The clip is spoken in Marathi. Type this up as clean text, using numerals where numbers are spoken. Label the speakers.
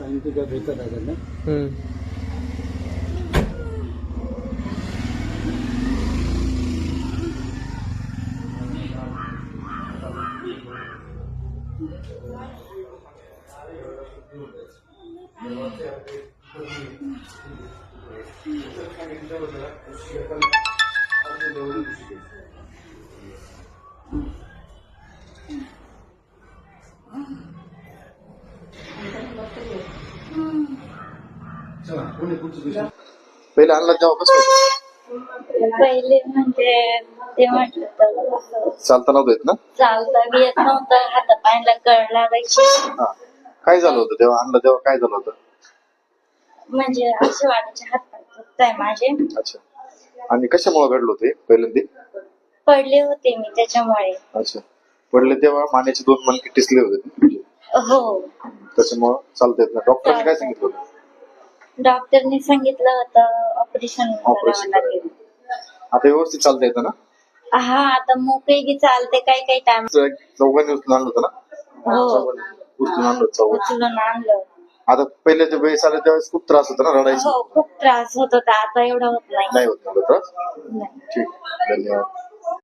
Speaker 1: सांगितलं का भेटत आहे ना.
Speaker 2: पहिले आणला तेव्हा कसं होतं?
Speaker 3: पहिले म्हणजे ते म्हटलं तर
Speaker 2: चालता नव्हतं येत ना?
Speaker 3: चालता बी येत नव्हतं, हातापायाला कळ लागायची.
Speaker 2: हा. काय झालं होतं तेव्हा आणलं तेव्हा काय झालं होतं?
Speaker 3: म्हणजे असे वाटायचे हात दुखताय माझे.
Speaker 2: अच्छा. आणि कशामुळे घडलं होते पहिल्यांदा?
Speaker 3: पडले होते मी त्याच्यामुळे.
Speaker 2: अच्छा. पडले तेव्हा मानेचे 2 मणके टिसले होते.
Speaker 3: हो.
Speaker 2: त्याच्यामुळे चालता येत ना. डॉक्टरने काय सांगितलं होतं?
Speaker 3: डॉक्टरने सांगितलं होतं ऑपरेशन
Speaker 2: ऑपरेशन
Speaker 3: करावं लागेल.
Speaker 2: आता व्यवस्थित चालता येतं ना?
Speaker 3: हा, आता मोकळी चालते काही टाइम.
Speaker 2: चौघांनी उचलून आणलं होतं ना?
Speaker 3: हो,
Speaker 2: उचलून आणलं चौघांनी.
Speaker 3: उचलून आणलं.
Speaker 2: आता पहिल्याच्या वेळेस आलं त्यावेळेस खूप त्रास होता ना, रडायचं?
Speaker 3: हो, खूप त्रास होत होता. आता एवढा होत नाही.
Speaker 2: नाही होत ना त्रास?
Speaker 3: नाही.
Speaker 2: ठीक, धन्यवाद.